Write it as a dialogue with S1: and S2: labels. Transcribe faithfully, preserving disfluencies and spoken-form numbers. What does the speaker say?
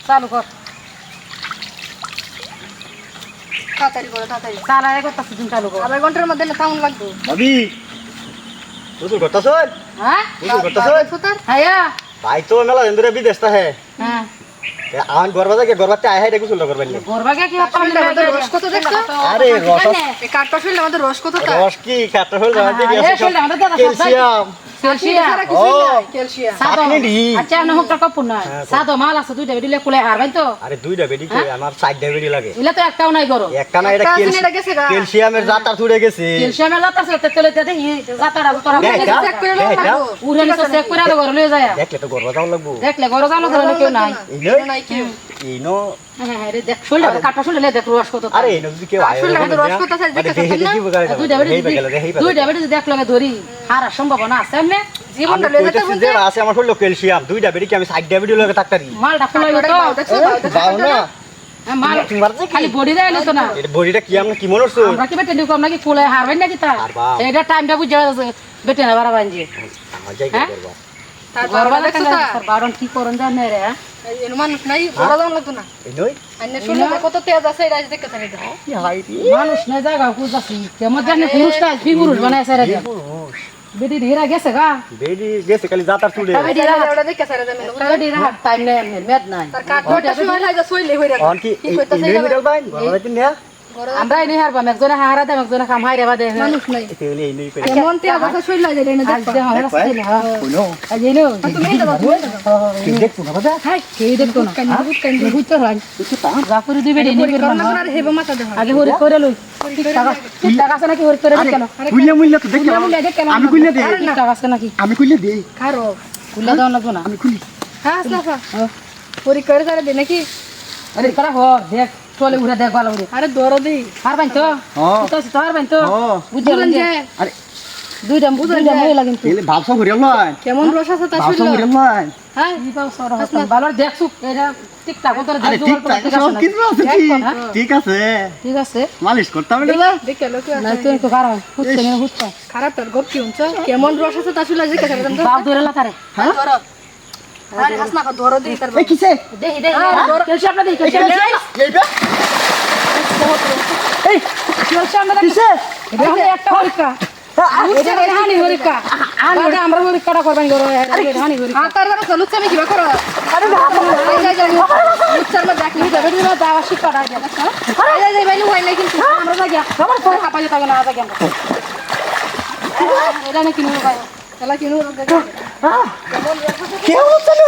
S1: চালু কর
S2: তাড়াতাড়ি করো তাড়াতাড়ি
S1: চালায় করতেছি তুমি চালু কর
S2: আধা ঘন্টার মধ্যে না কেমন লাগবে
S3: ভাবি বুঝু করতাছ
S1: হ্যাঁ
S3: বুঝু করতাছ
S2: সুতার
S1: হ্যাঁ
S3: ভাই তো মেলা ইন্দুরে বিদেশ তা হে
S1: হ্যাঁ
S3: আন গরবা থেকে গরবাতে আই হাইটা গুছল করবেন না
S1: গরবাকে কি আপন
S2: আমাদের রস কত দেখছো
S3: আরে রস
S2: এই কাঠটা শুনলে আমাদের রস কত তা
S3: রস কি কাটা হল রাতে
S1: আরে
S3: গেছে
S1: শুনলে আমাদের দাদা
S3: ক্যালসিয়াম
S1: ক্যালসিয়াম
S2: সারা কিছু নাই ক্যালসিয়াম
S1: সাদো
S3: আপনি দি।
S1: আচ্ছা না হোক টাকা পুনা সাদো মাল আছে দুইটা দিলে কুলে হারবাই তো
S3: আরে দুইটা বেডি কই আমার সাইড ডায়াবেটি লাগে
S1: ইলা তো একটাও নাই গরো
S3: একটা না এটা
S2: একটা আছে, এটা গেছে গা।
S3: ক্যালসিয়ামের জাতা ছুড়ে গেছে
S1: ক্যালসিয়ামের লাতা আছে তেলে তেতে জাতাটা তোরা
S3: দেখ, দেখ।
S2: চেক করে নাও
S3: দেখ,
S2: লাগবো
S1: উড়ে নিছে চেক করে তো ঘরে লয়ে যায়
S3: দেখলে তো গরবা যাও লাগবো
S1: দেখলে ঘরে জানো ধরে কেউ নাই
S3: এই নই
S2: নাই কেউ
S3: এই নো
S1: হ্যাঁ হ্যাঁ রে দেখ শুনলে কাটা শুনলে দেখ রস কত
S3: আরে এই নো যদি কেউ আয়
S2: আসলে আমাদের রস কত আছে দেখতে
S3: দেখে দেখি বগারে
S1: দুইটা বেটি
S3: হেই গেল হেই
S1: দুইটা বেটি দেখ লগে ধরি হারার সম্ভাবনা আছে এমনি
S2: জীবনটা
S3: আমি
S2: লয়ে যেতে
S3: কইতেছি যে আছে আমার হলো ক্যালসিয়াম দুইটা বেডি কি আমি সাইড ডায়াবেটি লাগে থাকতারি
S1: মালটা ফুলাই
S2: ওটা
S1: তো
S2: বাউ দেখছো বাউ দেখছো
S3: যাও না
S1: হ্যাঁ, মাল
S3: তোমার যে কি
S1: খালি বডি দেয় তো না
S3: এটা বডিটা কি আমরা কি মনে করছো
S1: আমরা কি বেটে নিকো আমরা কি কুলে হারবেন নাকি তা
S3: হারবা।
S1: এটা টাইমটা বুঝে বেটে না বাড়া বানজি
S3: আমার জায়গা
S1: হ্যাঁ?
S3: করবা
S2: তার
S1: গরবা
S2: বাবা
S1: দেখছো
S2: দেখছো তা
S1: বারণ কি করন জানে রে হ্যাঁ?
S2: এই মানুষ নাই বড় দাম লাগতো না
S3: এই নই
S2: আইনে শুনলে যে কত তেজ আছে এটা দেখতে চাই এটা
S3: কি হাই রে
S1: মানুষ না জায়গা খুঁজাছি কেমন জানে পুরুষটা কি পুরুষ বানাইছে রে বেটি ধীরা গেছে গা
S3: বেডি গেছে খালি জাতার ছুড়ে
S2: এটা এটা দেখতে চাই এটা
S1: বেটি রাত টাইম নেই মেদ নাই
S2: তার কাঠটা শুনে নাই যে সইলে হই রাখা
S3: অন কি এই মিডল বাইন গরবা দিন না
S1: আমরা এনে হারবা একজনে হারা দেব একজনে কাম হাইরে বাদে
S2: মানুষ নাই
S3: তেলে এই নই করে
S2: কেমন তেজ আছে সইলে যায় এটা
S1: আজ দে হয় রাস্তা দিলে হ্যাঁ
S3: কোনো
S1: আজ এলো
S2: তুমি এটা বাদ
S3: কি দেখছো না বাবা
S1: হাই কে দেখতো না
S2: কান বুট কান
S1: বুঝতে হয় যা করে দিবে রে নিবে
S2: করোনা করে হেবে মাথা দেহ
S1: আগে হরি করে লই টাকা টাকা আছে নাকি হরি করে কেন
S3: কুইলে মুইলে তো দেখি
S1: মুলে দেখ কেন
S3: আমি কুইলে দেই
S1: টাকা আছে নাকি
S3: আমি কুইলে দেই
S2: খারো
S1: কুল্লা দাও না তো না
S3: আমি কুইলে
S2: হ্যাঁ সাফা পরি করে তারে দে নাকি
S1: আরে করা হর দেখ চলে উড়ে দেখ ভালো করে
S2: আরে দরো দেই
S1: হার বাইন তো
S3: হ্যাঁ।
S1: তো তো হার বাইন তো
S3: হ্যাঁ।
S1: বুঝলেন যে
S3: আরে
S1: দুইটা দুইটা মহিলা কিন্তু
S3: তেলে ভাবছো ঘুরে লয়
S2: কেমন রস আছে তা
S3: ভাবছো
S2: শুনলো
S3: ঘুরে লয়
S2: হ্যাঁ
S1: কি পাও সর হস্ত ভালো দেখছু এটা ঠিকঠাক তোর
S3: আরে
S1: দেখ
S3: ঠিক
S1: জোগাড়
S3: আছে
S1: করে ঠিক আছে
S3: সব
S1: না?
S3: কিছু আছে ঠিক ঠিক আছে
S1: ঠিক আছে
S3: মালিশ করতাম না
S2: দেবা দেখে লোক
S1: না তুই তো খারাপ হুচ্ছে না হুচ্ছে
S2: খারাপ তার গপ কি হচ্ছে কেমন রস আছে তা শুনলে যে কেন দাম
S1: বাপ ধরে লাতারে
S3: হ্যাঁ
S2: ধরো আরে হাসনা কো ধরো দেই তার
S3: এই কিসে
S1: দেই দেই কেলসি আপনা দেই কেলসি
S3: এইটা
S1: এই কেলসি আপনা কিসে এটা হলো একটা হরিকা এটা হানি হরিকা আনি ওটা আমরা হরিকাটা করবেন গরো এটা হানি হরিকা
S2: হ্যাঁ তার ধরো লুচ্চা আমি কি করো আরে যাই যাই লুচ্চার মধ্যে দেখলি
S1: এটা বেটি না দাওয়া শিকাটা এটা
S2: আরে যাই যাই বাইনু হয় না কিন্তু
S1: আমরা যাই আমার ফোন খাপা যেতে না যাই আমরা এটা না কিনু ভাই
S2: এলা কিনু
S3: কেউ হচ্ছে না